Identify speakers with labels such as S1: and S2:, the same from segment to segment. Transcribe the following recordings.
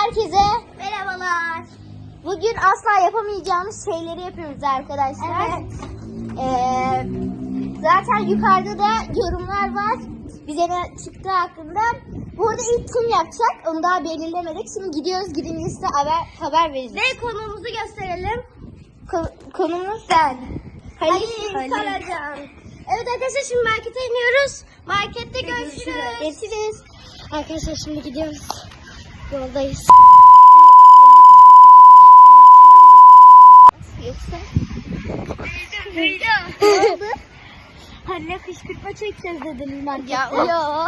S1: herkese
S2: Merhabalar.
S1: bugün asla yapamayacağımız şeyleri yapıyoruz arkadaşlar.
S2: Evet.
S1: Zaten yukarıda da yorumlar var. Bize ne çıktığı hakkında. Bu arada ilk kim yapacak onu daha belirlemedik. Şimdi gidiyoruz, gidince size haber vereceğiz.
S2: Ve konuğumuzu gösterelim.
S1: Konumuz sen.
S2: Halil Karacan. Evet arkadaşlar şimdi markete iniyoruz. Markette görüşürüz.
S1: Görüşürüz. Arkadaşlar şimdi gidiyoruz. Yoldayız. Yoksa
S2: Duydum. Halil'e kışkırtma çekeceğiz dediniz markette.
S1: ya.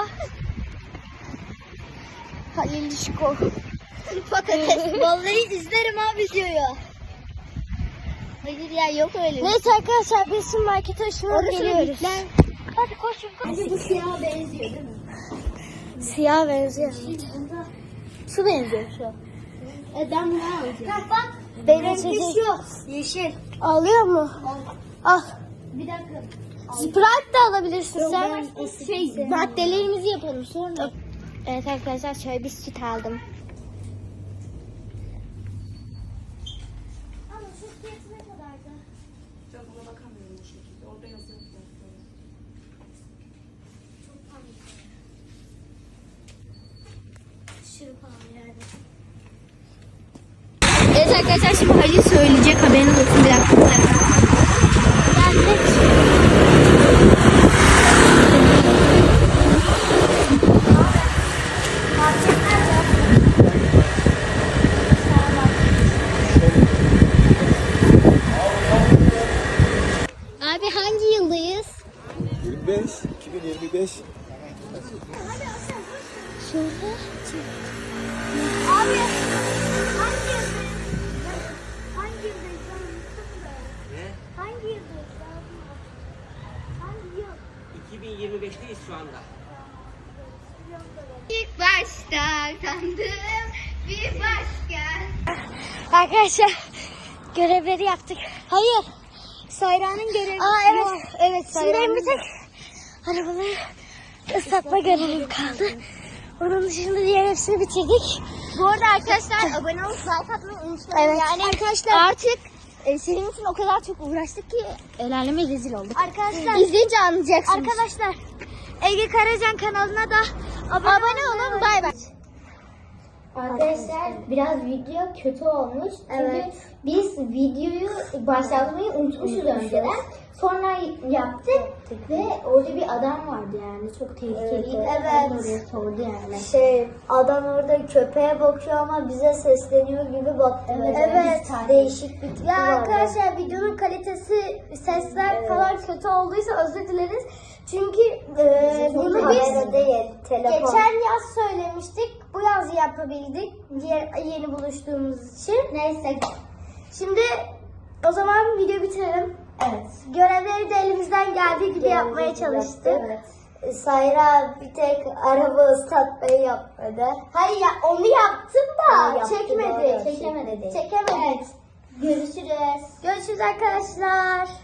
S1: Halil Şiko.
S2: Patates. Vallahi izlerim abi videoyu.
S1: Hayır ya, yok öyle.
S2: Neyse arkadaşlar biz şimdi markete ışınlanıp geliyoruz. Hadi koşun koşun.
S1: Bu siyaha benziyor değil mi?
S2: Siyah benziyor.
S1: Şu benziyor şu. Ben bunu alacağım.
S2: Bak.
S1: Benim
S2: şu. Yeşil.
S1: Alıyor mu? Al.
S2: Bir dakika.
S1: Sprite de alabilirsin sen.
S2: Şey,
S1: Maddelerimizi yapalım sonra. Evet arkadaşlar, şöyle bir süt aldım.
S2: Ama şu fiyatı ne kadardı?
S3: Ben buna bakamıyorum bu şekilde. Orada yazıyor.
S2: Çok pahalı. Aşırı pahalı yani.
S1: Evet arkadaşlar, şimdi Halil söyleyecek, haberiniz olsun, bir dakika. Abi hangi yıldayız?
S4: 25, 2025.
S1: Şurada.
S2: Abi hangi yıldayız? Hangi yıldayız?
S3: Ne?
S2: Hangi yıldayız? Hangi yıl?
S3: 2025'teyiz şu anda.
S1: İlk başta tanıdım bir başka. Arkadaşlar görevleri yaptık. Hayır. Sayra'nın görevi.
S2: Aa, evet.
S1: Evet,
S2: Şimdi benim bir tek
S1: arabaları ıslatma görevim kaldı. Onun dışında diğer hepsini bitirdik.
S2: Bu arada arkadaşlar abone olup like atmayı unutmayın.
S1: Evet.
S2: Yani
S1: Arkadaşlar artık senin için o kadar çok uğraştık ki el aleme rezil olduk.
S2: arkadaşlar
S1: İzleyince anlayacaksınız.
S2: arkadaşlar Ege Karacan kanalına da
S1: Abone olun, bay bay.
S5: Arkadaşlar biraz video kötü olmuş. Çünkü
S2: Evet.
S5: biz videoyu başlatmayı unutmuşuz önceden. Sonra yaptık ve orada bir adam vardı yani çok tehlikeliydi.
S2: Evet.
S5: Oraya sordu yani.
S2: adam orada köpeğe bakıyor ama bize sesleniyor gibi baktı.
S5: Evet. Değişik bir tipi
S2: Ya
S5: vardı.
S2: arkadaşlar videonun kalitesi, sesler falan kötü olduysa özür dileriz. Çünkü bunu biz geçen yaz söylemiştik. Bu yaz yapabildik. Yeni buluştuğumuz için.
S5: Neyse.
S2: Şimdi o zaman video bitirelim.
S5: Evet.
S2: Görevleri de elimizden geldiği gibi yapmaya çalıştık.
S5: Evet. Sayra bir tek araba ıslatmayı yapmadı.
S2: Hayır ya, onu yaptım da
S5: Ha, yaptı,
S2: çekmedi.
S5: doğru. Çekemedi.
S2: Çekemedik.
S5: Görüşürüz.
S2: Görüşürüz arkadaşlar.